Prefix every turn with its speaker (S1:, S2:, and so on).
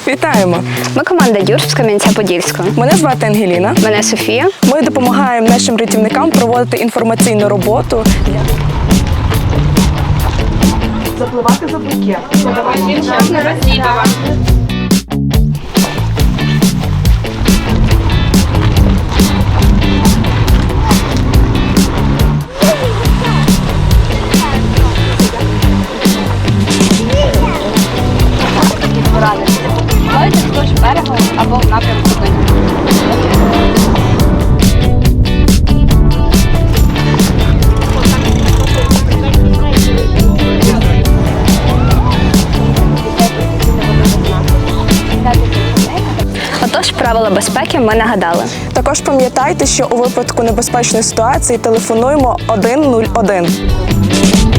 S1: Вітаємо!
S2: Ми команда Юрс з Кам'янця-Подільського.
S1: Мене звати Ангеліна.
S2: Мене Софія.
S1: Ми допомагаємо нашим рятівникам проводити інформаційну роботу. Запливати за букет.
S2: Плавайте вздовж берега або в напрямку до нього. Отож, правила безпеки ми нагадали.
S1: Також пам'ятайте, що у випадку небезпечної ситуації телефонуємо 101.